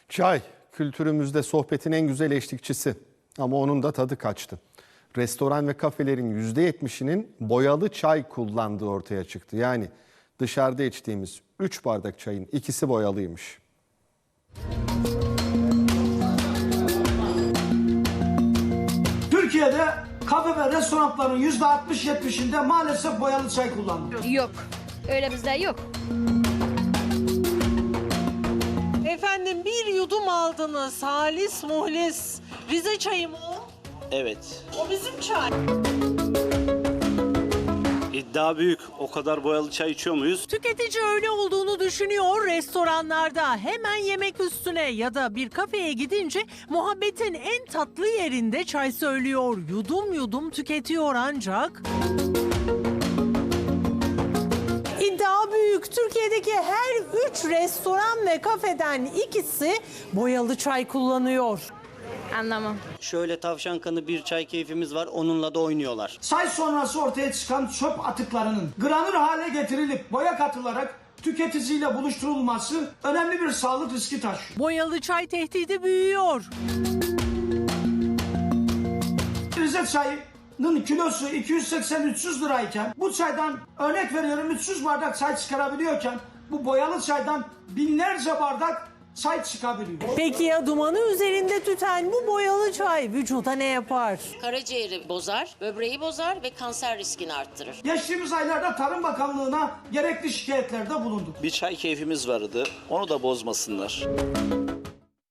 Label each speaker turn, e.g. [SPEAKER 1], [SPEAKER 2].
[SPEAKER 1] Çay kültürümüzde sohbetin en güzel eşlikçisi ama onun da tadı kaçtı. Restoran ve kafelerin %70'inin boyalı çay kullandığı ortaya çıktı. Yani dışarıda içtiğimiz 3 bardak çayın ikisi boyalıymış.
[SPEAKER 2] Türkiye'de kafe ve restoranların %60-70'inde maalesef boyalı çay kullanılıyor.
[SPEAKER 3] Yok. Öyle bizde yok.
[SPEAKER 4] Efendim bir yudum aldınız. Halis muhlis. Rize çayı mı o?
[SPEAKER 5] Evet.
[SPEAKER 4] O bizim çay.
[SPEAKER 5] İddia büyük. O kadar boyalı çay içiyor muyuz?
[SPEAKER 4] Tüketici öyle olduğunu düşünüyor restoranlarda. Hemen yemek üstüne ya da bir kafeye gidince muhabbetin en tatlı yerinde çay söylüyor. Yudum yudum tüketiyor ancak... İddia büyük. Türkiye'deki her 3 restoran ve kafeden ikisi boyalı çay kullanıyor.
[SPEAKER 3] Anlamam.
[SPEAKER 5] Şöyle tavşan kanı bir çay keyfimiz var. Onunla da oynuyorlar.
[SPEAKER 2] Çay sonrası ortaya çıkan çöp atıklarının granür hale getirilip boya katılarak tüketiciyle buluşturulması önemli bir sağlık riski taşıyor.
[SPEAKER 4] Boyalı çay tehdidi büyüyor.
[SPEAKER 2] Rize çayının kilosu 280-300 lirayken bu çaydan örnek veriyorum 300 bardak çay çıkarabiliyorken bu boyalı çaydan binlerce bardak çay çıkabiliyor.
[SPEAKER 4] Peki ya dumanı üzerinde tüten bu boyalı çay vücuda ne yapar?
[SPEAKER 6] Karaciğeri bozar, böbreği bozar ve kanser riskini arttırır.
[SPEAKER 2] Geçtiğimiz aylarda Tarım Bakanlığı'na gerekli şikayetlerde bulunduk.
[SPEAKER 5] Bir çay keyfimiz vardı. Onu da bozmasınlar.